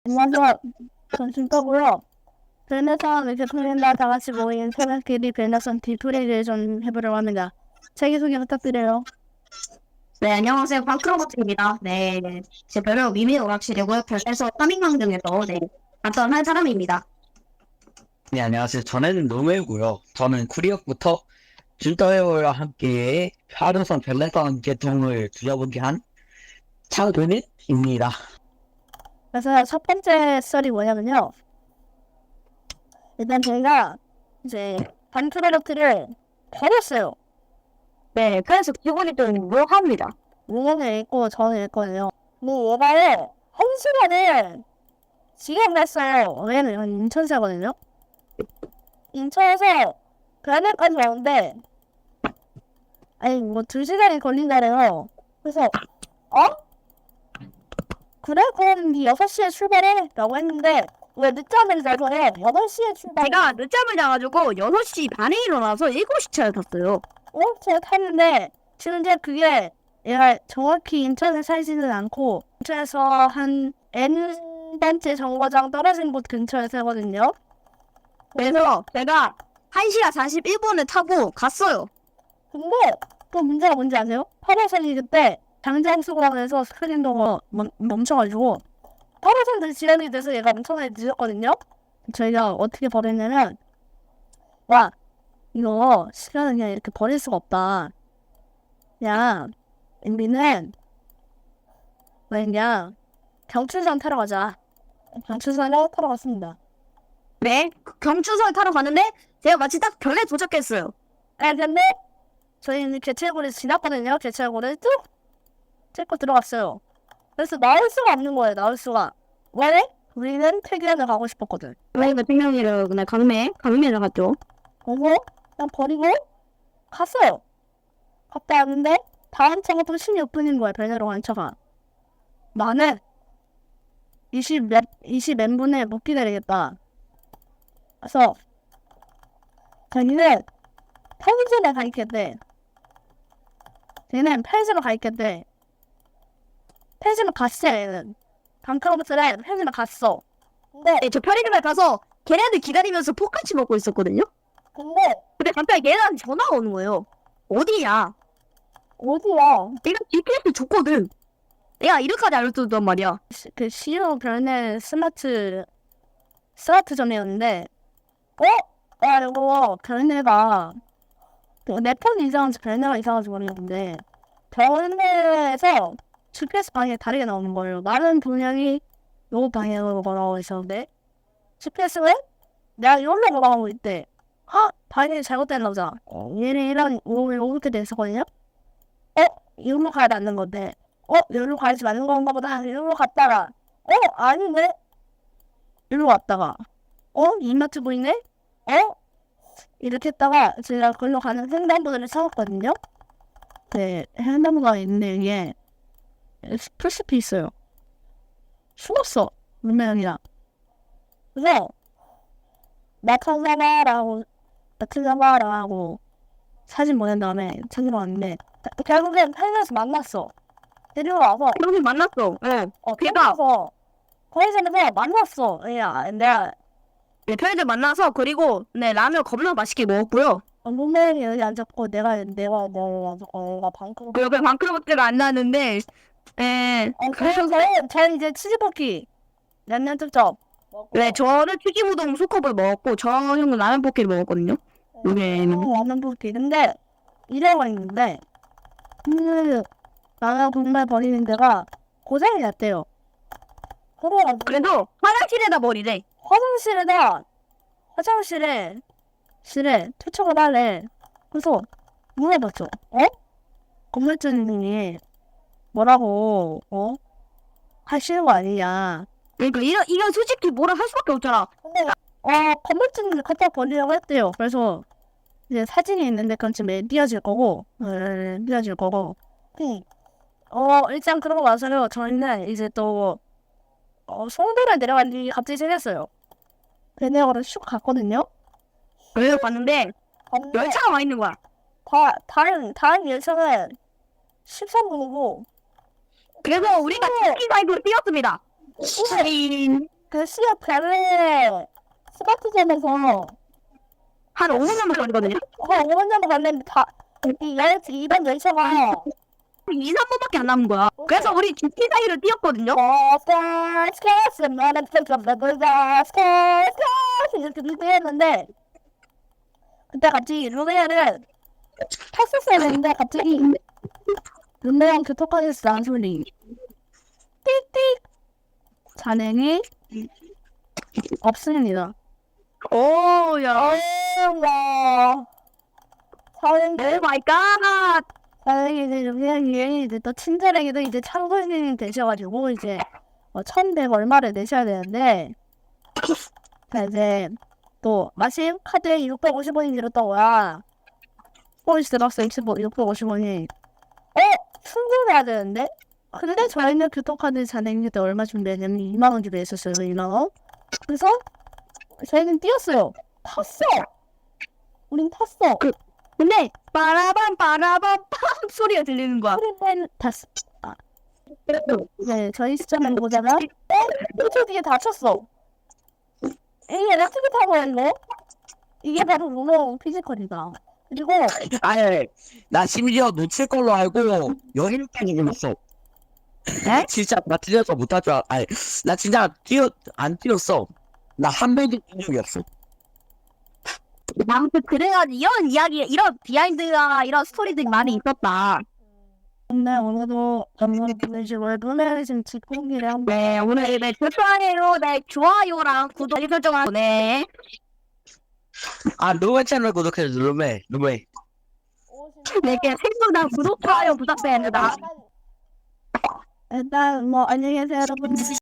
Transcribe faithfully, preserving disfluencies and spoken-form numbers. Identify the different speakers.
Speaker 1: 안녕하세요. 전 진짜고요. 벨메선 이렇게 풀린다 다 같이 모인 새벽끼리 벨메선 디프리를 좀 해보려고 합니다. 자기소개 부탁드려요.
Speaker 2: 네, 안녕하세요. 방크로버트입니다. 네, 네. 제 별명 미미 오락실이고요. 별에서 파밍왕 등에서 네, 간단한 사람입니다.
Speaker 3: 네, 안녕하세요. 저는 노멜고요. 저는 쿠리역부터 줄더웨어와 함께 하루선 벨레선 계통을 두려보게 한 차은입니다.
Speaker 1: 그래서 첫 번째 썰이 뭐냐면요. 일단 저희가 이제 반프로덕트를 버렸어요.
Speaker 2: 네, 그래서 기분이 좀 묘합니다.
Speaker 1: 문제는 읽고 저는 읽거든요. 근데 얘가를 한 시간을 지금 냈어요. 왜냐면 인천 사거든요. 인천에서 대안까지 오는데 아니 뭐 두 시간이 걸린다래요. 그래서 어? 그래? 그럼 니 여섯 시에 출발해? 라고 했는데 왜 늦잠을 자서 해? 여덟 시에 출발.
Speaker 2: 제가 늦잠을 자가지고 여섯 시 반에 일어나서 일곱 시 차에 탔어요.
Speaker 1: 어? 제가 탔는데 지금 이제 그게 얘가 정확히 인천에 살지는 않고 인천에서 한 N단체 정거장 떨어진 곳 근처에 살거든요.
Speaker 2: 그래서 제가 한 시간 사십일 분에 타고 갔어요.
Speaker 1: 근데 또 문제가 뭔지 아세요? 팔 호선이 그때 장장수공원에서 스크린도어 멈춰가지고 팔 호선들 지연이 돼서 얘가 엄청나게 늦었거든요? 저희가 어떻게 버렸냐면 와 이거 시간을 그냥 이렇게 버릴 수가 없다. 그냥 우리는 그냥 경춘선 타러 가자. 경춘선을 타러 갔습니다.
Speaker 2: 네, 경춘선 타러 갔는데 제가 마치 딱 별에 도착했어요.
Speaker 1: 아 근데 저희는 개찰구를 지났거든요. 개찰구를 쭉 찍고 들어갔어요. 그래서 나올 수가 없는 거예요. 나올 수가. 왜? 우리는 퇴근을 가고 싶었거든.
Speaker 2: 저희가 생명이를 그날 강매, 강매를 갔죠.
Speaker 1: 그래서 그냥 버리고 갔어요. 갔다 왔는데 다음 차가 또 십육 분인 거야. 배내러 간 차가. 나는 이십 몇, 이십 몇 분에 못 기다리겠다. 그래서 자기는 편의점에 가 있겠대. 쟤는 편의점에 가 있겠대. 편의점에 갔어 얘는. 방크로버트를 편의점에 갔어. 근데
Speaker 2: 네, 저 편의점에 가서 걔네들 기다리면서 포카치 먹고 있었거든요.
Speaker 1: 근데
Speaker 2: 근데 갑자기 걔네한테 전화가 오는 거예요. 어디냐?
Speaker 1: 어디야?
Speaker 2: 내가 지피에스 줬거든. 내가 이렇게까지 알려줬단 말이야.
Speaker 1: 시- 그 시로 별내 스마트 스마트점이었는데 어? 야 이거 별내가 내 폰 이상한지 별내가 이상한지 모르겠는데 별내에서 지피에스 방향이 다르게 나오는 거예요. 나는 분명히 요 방향으로 걸어가고 있었는데 지피에스는 내가 여기로 걸어가고 있대. 아 방향이 잘못됐나 보자. 어, 얘는 이런 이렇게 됐었거든요. 어? 이리로 가야 맞는 건데 어? 여기로 가야지 맞는 건가 보다. 이리로 갔다가 어? 아닌데? 이리로 갔다가 어? 이마트 보이네? 어? 이렇게 했다가 제가 걸로 가는 횡단보도를 찾았거든요. 네, 횡단보도가 있는데 이게 풀숲이 있어요. 숨었어. 물명이랑. 그래서 나타나라고 나타나라고 사진 보낸 다음에 찾으러 왔는데 결국엔 편의점에서 만났어. 데리러 와서
Speaker 2: 그러면 만났어. 네.
Speaker 1: 어
Speaker 2: 걔가
Speaker 1: 편의점에서 편의점에서 만났어. 야, 내가
Speaker 2: 네, 편의점 만나서 그리고 네 라면 겁나 맛있게 먹었고요.
Speaker 1: 룸메이 여기 앉았고 내가 내가 내가 앉았고 내가 방크로.
Speaker 2: 그 옆에 방크로버트가 안 나왔는데, 예.
Speaker 1: 어, 그래서 저는 저는 이제 치즈볶이 양념 쩝쩝.
Speaker 2: 네, 저는 튀김우동 소컵을 먹었고 저 형은 라면 볶기를 먹었거든요. 여기에는
Speaker 1: 라면 볶이. 근데 이래가 있는데 그 라면 국물 버리는 데가 고생이 났대요. 그래가지고
Speaker 2: 그래도 화장실에다 버리래.
Speaker 1: 화장실에다 화장실에 실에 투척을 하래. 그래서 물어봤죠. 어? 건물주님이 뭐라고 어? 하시는 거 아니냐.
Speaker 2: 그러니까 이런 이건 솔직히 뭐라 할 수밖에 없잖아.
Speaker 1: 근데 어 건물주님이 갖다 버리려고 했대요. 그래서 이제 사진이 있는데 그건 지금 띄어질 거고 네, 띄어질 거고 응. 어 일단 그러고 나서요 저희는 이제 또 어, 송도를 내려간 일이 갑자기 생겼어요. 배내어를 슉 갔거든요.
Speaker 2: 그래서 봤는데
Speaker 1: 갔는데
Speaker 2: 열차가 와 있는 거야.
Speaker 1: 다, 다른 다른 열차는 십삼 분이고
Speaker 2: 그래서 우리가 치킨 사이드로 뛰었습니다. 치킨.
Speaker 1: 그 시합 갈래 스마트점에서
Speaker 2: 한 오 분 정도 걸리거든요.
Speaker 1: 어, 오 분 정도 갔는데 다, 이 열, 이번 열차가
Speaker 2: 이, 삼 분밖에 안 남은 거야. 그래서 우리 죽기 사이를 뛰었거든요.
Speaker 1: 어, 스컬, 스컬, 나는 스컬, 나는 스컬, 스컬, 이렇게 뛰었는데 그때 같이 루네를 탔었어야 되는데 갑자기 루네랑 교통카드에서 나는 소리 띡띡 잔행이 없습니다.
Speaker 2: 오, 야.
Speaker 1: 와 사장님
Speaker 2: 오 마이 갓.
Speaker 1: 사장님 이제 루네랑이 이제 또 친절하게도 이제 창고인이 되셔가지고 이제 어, 천백 얼마를 내셔야 되는데 자 이제 또 마침 카드에 육백오십 원이 들었던 거야. 포인트 들었어 육백오십 원이. 어? 충전해야 되는데? 근데 저희는 교통카드 잔액일 때 얼마 준비했냐면 이만 원 준비했었어요. 이만 원. 그래서 저희는 뛰었어요. 탔어. 우린 탔어.
Speaker 2: 그- 근데 빠라밤 빠라밤 빰 소리가 들리는 거야.
Speaker 1: 우리는 탔어. 아. 네, 저희 시점을 보자면 어? 저 뒤에 다쳤어. 이게 렉트비 타고 있네? 이게 바로 루노 피지컬이다. 그리고
Speaker 3: 아니, 나 심지어 놓칠 걸로 알고 여행까지 불렀어.
Speaker 2: 에?
Speaker 3: 진짜 나 뛰어서 못할 줄 알. 아니, 나 진짜 뛰어 안 뛰었어. 나 한 번도 뛴 적이 없어.
Speaker 2: 아무튼 그래가지고 이런 이야기, 이런 비하인드가 이런 스토리들이 많이 있었다.
Speaker 1: 네, 오늘도 영상을 보내주시고 루네를 지금 직공기를 한번
Speaker 2: 네, 오늘 네, 좋아요, 네, 좋아요랑 구독 알림 설정하고 네.
Speaker 3: 아, 루메 채널 구독해 줘. 루메, 루메.
Speaker 2: 네, 생각나 구독, 좋아요 부탁드립니다.
Speaker 1: 일단 뭐 안녕히 계세요 여러분.